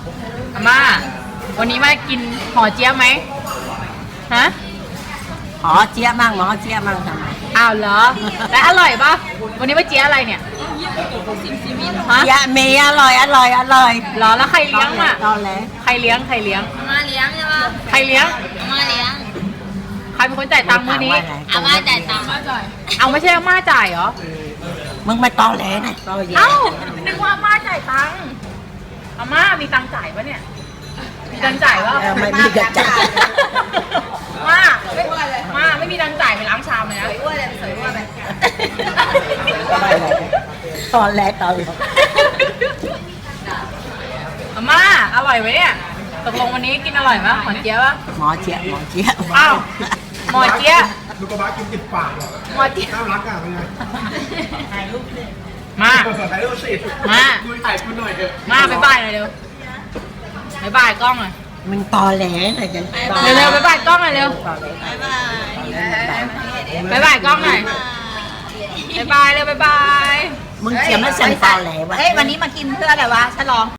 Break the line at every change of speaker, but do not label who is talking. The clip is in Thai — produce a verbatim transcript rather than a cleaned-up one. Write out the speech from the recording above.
อาม่าวันนี้มากินห่อเจี๊ยบไหมฮะ
หอเจี๊ยบมั่งหมอเจี๊ยบมั่งทำไม
อ้าวเหรอแต่อร่อยปะวันนี้มาเจี๊ยบอะไรเนี่ยฮะ
เจี๊ยบเมย์อร่อยอร่อยอร่อย
เหรอแล้วใครเลี้ยงอ่ะ
ตอนแรก
ใครเลี้ยงใครเลี้ยง
อาม่าเลี้ยงใช่ปะ
ใครเลี้ยง
อาม่าเลี้ยง
ใครเป็นคนจ่ายตังค์มื้อนี้
อาม่าจ่ายตังค์
เอาไม่ใช่อาม่าจ่ายเหรอ
มึงไม่ตอแหลนะตอแหล
เอ้านึกว่าอาม่าจ่ายตังค์อาม่ามีตังค์จ่ายปะเนี่ยมีตังค์จ่ายวะ
เออไม่มีกระจาย
มาไม่มาไม่มีตังค์จ่ายไปล้างชามเลยนะ
อ้วนเลยสวยอ้วนเลย
ตอนแรกตอนแรก
อาม่าอร่อยไหมเนี่ยตกลงวันนี้กินอร่อยไหมหอนเจี๊ยบปะ
หมอเจี๊ยบหมอเจี๊ยบ
อ้าวหมอเจี๊ยบ
ลูกกระบะกินติดปากเหรอ
หมอเจี๊ยบ
น่ารักอ่ะเป็นไง
มา
ถ่ายรูปสิ
มา
ดูถ่ายคุณหน่อยเถอะ
มาบ๊ายบายหน่อยเร็วบ๊ายบายกล้องหน่อย
มึงตอแหลนะจันตอแหล
เร็วๆบ๊ายบายกล้องหน่อยเร็ว
ตอแหล
บ๊ายบาย
บ๊ายบายกล้องหน่อยบ๊ายบายเร็วบ๊ายบาย
มึงเจี๊ยบไม่เซ็นตอแหลวะ
เฮ้ยวันนี้มากินเพื่ออะไรวะฉลอง